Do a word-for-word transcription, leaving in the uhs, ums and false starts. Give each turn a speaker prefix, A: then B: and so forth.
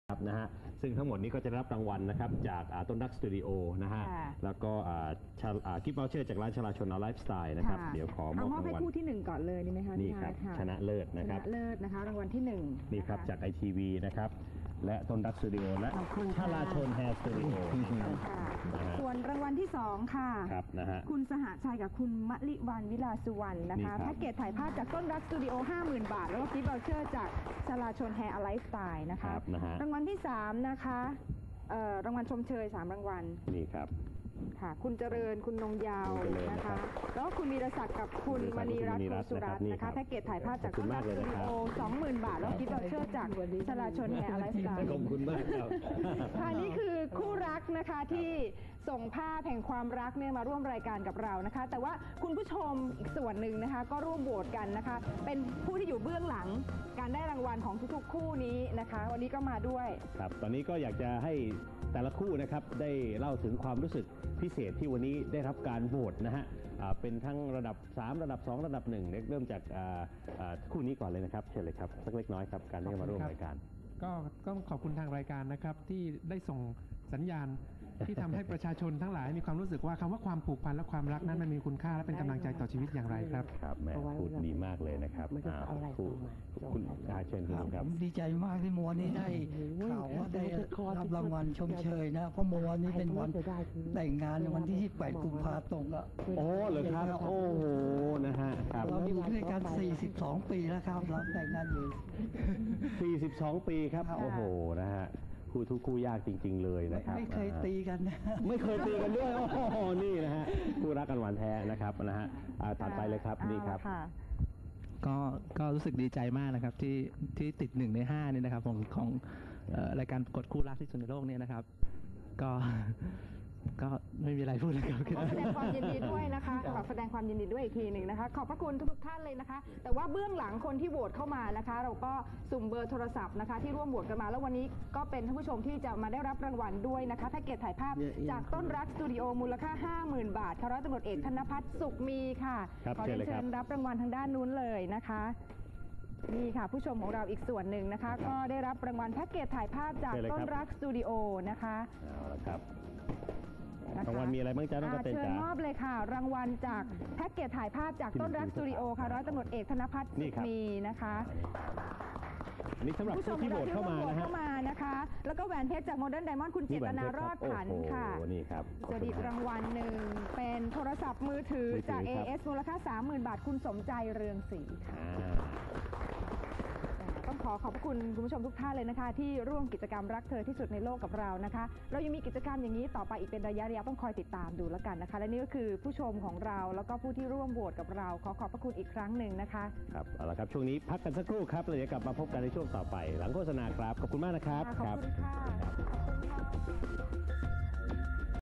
A: ครับนะฮะซึ่งทั้งหมดนี้ก็จะรับรางวัลนะครับจากต้นรักสตูดิโอนะฮะแล้วก็กิฟต์วอเชอร์จากร้านชลาชนเอาไลฟ์สไตล์นะครับเดี๋ยวขอมอบรางวัล
B: ให้คู่ที่หนึ่งก่อนเลยดีไหมคะ
A: นี่ครับชนะเลิศนะครับ
B: ชนะเลิศนะคะรางวัลที่หนึ่ง
A: นี่ครับจากไอทีวีนะครับและต้นรักสตูดิโอและชลาชนแฮร์สตูดิโอ
B: ส่วนรางวัลที่สองค่ะ
A: ครับนะฮะ
B: คุณสหชัยกับคุณมะลิวันวิลาสุวรรณนะคะแพ็กเกจถ่ายภาพจากต้นรักสตูดิโอ ห้าหมื่น บาทแล้วก็กิฟต์วอเชอร์จากชลาชนแฮร์ไลฟ์สไตล์นะคะรางวัลที่สามนะคะรางวัลชมเชยสามรางวัล
A: นี่ครับ
B: ค่ะคุณเจริญคุณนงยาวนะคะแล้วก็คุณวีรศักดิ์กับคุณมณีรัตน์สุรัตน์นะคะแพ็กเกจถ่ายภาพจากต้นรักสตูดิโอ สองหมื่น บาทแล้วกิฟต์วอเชอร์จากชลาชนแฮร์ไลฟ์สไตล์
A: ขอบคุณมากครับ
B: ค่ะนี่คือคู่รักนะคะที่ส่งภาพแห่งความรักเนี่ยมาร่วมรายการกับเรานะคะแต่ว่าคุณผู้ชมอีกส่วนหนึ่งนะคะก็ร่วมโหวตกันนะคะเป็นผู้ที่อยู่เบื้องหลังการได้รางวัลของทุกๆคู่นี้นะคะวันนี้ก็มาด้วย
A: ครับตอนนี้ก็อยากจะให้แต่ละคู่นะครับได้เล่าถึงความรู้สึกพิเศษที่วันนี้ได้รับการโหวตนะฮะเป็นทั้งระดับสามระดับสองระดับหนึ่งเริ่มจากคู่นี้ก่อนเลยนะครับเชิญเลยครับสักเล็กน้อยครับการได้มาร่วมรายการ
C: ก็ก็ขอบคุณทางรายการนะครับที่ได้ส่งสัญญาณที่ทำให้ประชาชนทั้งหลายมีความรู้สึกว่าคำว่าความผูกพันและความรักนั้นมันมีคุณค่าและเป็นกำลังใจต่อชีวิตอย่างไรครับ
A: ครับแม่พูดดีมากเลยนะครับคุณคุณอาเชิญครับ
D: ดีใจมากที่มัวนี้ได้ข่าวว่าได้รับรางวัลชมเชยนะเพราะมัวนี้เป็นวันแต่งงานในวันที่ยี่สิบแปดกุมภาพันธ์ตรงอ่ะ
A: โอ้เหรอครับโอ้โหนะฮะ
D: เราอยู่ด้วยกันสี่สิบสองปีแล้วครับเราแต่งงานอยู่
A: สี่สิบสองปีครับโอ้โหนะฮะคู่ทุกคู่ยากจริงๆเลยนะครับ
D: ไม่เคยตีกันนะ
A: ไม่เคยตีกันด้วยโอ้โหนี่นะฮะคู่รักกันหวานแท้นะครับนะฮะตัดไปเลยครับนี่ครับ
E: ก็ก็รู้สึกดีใจมากนะครับที่ที่ติดหนึ่งในห้านี่นะครับของของรายการประกวดคู่รักที่สุดในโลกนี่นะครับก็ก็ไม่มีอะไรพูดเลยครับ
B: ขอแสดงความยินดีด้วยนะคะขอแสดงความยินดีด้วยอีกทีหนึ่งนะคะขอบพระคุณทุกท่านเลยนะคะแต่ว่าเบื้องหลังคนที่โหวตเข้ามานะคะเราก็สุ่มเบอร์โทรศัพท์นะคะที่ร่วมโหวตกันมาแล้ววันนี้ก็เป็นท่านผู้ชมที่จะมาได้รับรางวัลด้วยนะคะแพ็กเกจถ่ายภาพจากต้นรักสตูดิโอมูลค่า ห้าหมื่น บาทค่ะร้อยตำรวจเอกธนภัทรสุขมีค่ะขอเชิญรับรางวัลทางด้านนู้นเลยนะคะนี่ค่ะผู้ชมของเราอีกส่วนหนึ่งนะคะก็ได้รับรางวัลแพ็กเกจถ่ายภาพจากต้นรักสตูดิโอนะคะ
A: เอาละครับรางวัลมีอะไรบ้างจ๊ะน้องกระเตน
B: เชิญมอบเลยค่ะรางวัลจากแพ็กเกจถ่ายภาพจากต้นรักสตูดิโอค่ะร้อยตำรวจเอกธนภัทรสุขมีนะคะ
A: อันนี้สำหรับผู้ที่โหวตเข้ามานะฮะ
B: นะคะแล้วก็แหวนเพชรจากโมเดิร์นไดมอนด์คุณเจตนารอดขันค่ะ
A: นี่ครับ
B: สวัสดีรางวัลหนึ่งเป็นโทรศัพท์มือถือจาก เอ เอส มูลค่า สามหมื่น บาทคุณสมใจเรืองศรีค่ะต้องขอขอบคุณคุณผู้ชมทุกท่านเลยนะคะที่ร่วมกิจกรรมรักเธอที่สุดในโลกกับเรานะคะเรายังมีกิจกรรมอย่างนี้ต่อไปอีกเป็นระยะระยะต้องคอยติดตามดูแล้วกันนะคะและนี่ก็คือผู้ชมของเราแล้วก็ผู้ที่ร่วมโหวตกับเราขอขอบพระคุณอีกครั้งหนึ่งนะคะ
A: ครับเอาละครับช่วงนี้พักกันสักครู่ครับเราจะกลับมาพบกันในช่วงต่อไปหลังโฆษณาครับขอบคุณมากนะครับ
B: ขอบคุณค่ะ